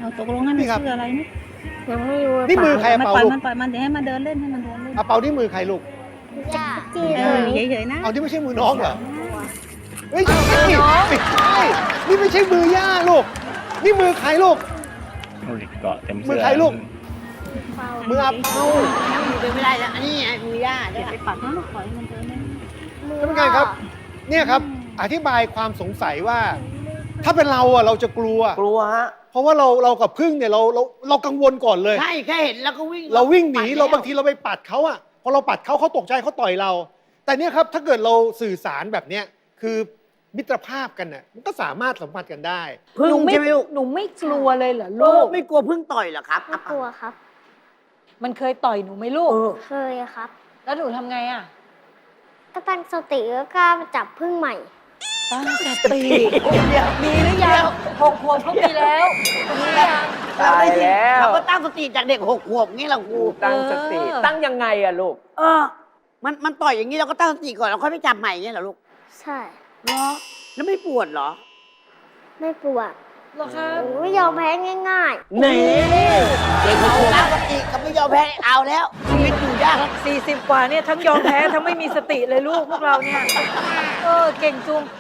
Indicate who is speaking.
Speaker 1: ตกลงให้มัน
Speaker 2: นี่ครับ
Speaker 1: ชื่ออะไรนี่
Speaker 3: ยังไม่รู้
Speaker 2: นี่มือใคร
Speaker 1: มัน
Speaker 2: เป่า
Speaker 1: ปล่อย
Speaker 2: ลูก
Speaker 1: มันปล่อยมันเดี๋ยวให้มันเดินเล่นให้มันเดินเล่น
Speaker 2: เอาเป่าที่มือใครลูก
Speaker 3: ย่าจี
Speaker 1: เอ
Speaker 3: เล
Speaker 1: อย เฉยๆนะ
Speaker 2: เอาที่ไม่ใช่มือน้องเหรอเฮ้ยไม่ใช่นี่ไม่ใช่มือย่าลูก นี่มือใครลูก
Speaker 4: ดูดิเกาะเต็ม
Speaker 2: มื
Speaker 4: เสื้
Speaker 2: อ
Speaker 4: อ
Speaker 2: ใครลูก
Speaker 3: เป่า
Speaker 2: มืออาเปา
Speaker 5: ยังอยู่เป็นไม่ได้แล้วอันนี้ไงมือย่า
Speaker 1: อ
Speaker 5: ด้วย
Speaker 1: ย่าไปปัดนะปล่อยให้มันเดินเล่น
Speaker 3: มือ
Speaker 2: ท่านผู้การครับ เนี่ยครับ อธิบายความสงสัยว่า ถ้าเป็นเราอะเราจะกลัว
Speaker 6: กลัวฮะ
Speaker 2: เพราะว่าเรากับพึ่งเนี่ยเรากังวลก่อนเลย
Speaker 5: ใช่แค่เห็นแล้วก็วิ่ง
Speaker 2: เราวิ่งหนี
Speaker 5: ปัดแล้ว
Speaker 2: เราบางทีเราไปปัดเขาอะพอเราปัดเขาตกใจเขาต่อยเรา แต่เนี่ยครับถ้าเกิดเราสื่อสารแบบเนี้ยคือมิตรภาพกันน่ะมันก็สามารถสัมผัสกันได้
Speaker 5: พึ่ง
Speaker 7: หนูไม่
Speaker 5: ใช่ไหมลูก
Speaker 7: หนูไม่กลัวเลยเหรอ
Speaker 5: ลู
Speaker 7: ลู
Speaker 5: ก
Speaker 7: ก
Speaker 5: ไม่กลัวพึ่งต่อยเหรอครับ
Speaker 3: ไม่กลัวครับ
Speaker 7: มันเคยต่อยหนูไหมลูก
Speaker 3: เคยครับ
Speaker 7: แล้วหนูทำไงอ่ะ
Speaker 3: ก็ตั้งสติแล้วกล้ามาจับพึ่งใหม่
Speaker 7: ตั้งสติมีหรือยัง6 ขวบเขามีแล้วมียัง
Speaker 5: เราได้ยิน
Speaker 6: ตายแล้ว
Speaker 5: เขาก็ตั้งสติจากเด็ก6 ขวบงี้แหละครู
Speaker 6: ตั้งสติ ตั้งยังไงอะลูก
Speaker 5: เออ มันต่อยอย่างนี้เราก็ตั้งสติก่อนแล้วค่อยไปจับใหม่เงี้ยเหรอลูก
Speaker 3: ใช่
Speaker 5: เหรอแล้วไม่ปวดเหรอ
Speaker 3: ไม่ปวด
Speaker 7: เหรอคะ
Speaker 3: หนูไม่ยอมแพ้ง่าย
Speaker 5: นี่เด็ก6 ขวบตั้งสติกับไม่ยอมแพ้เอาแล้วชีวิตอยู่ยากแล้ว
Speaker 7: 40 กว่าเนี่ยทั้งยอมแพ้ทั้งไม่มีสติเลยลูกพวกเราเนี่ยเก่งจุง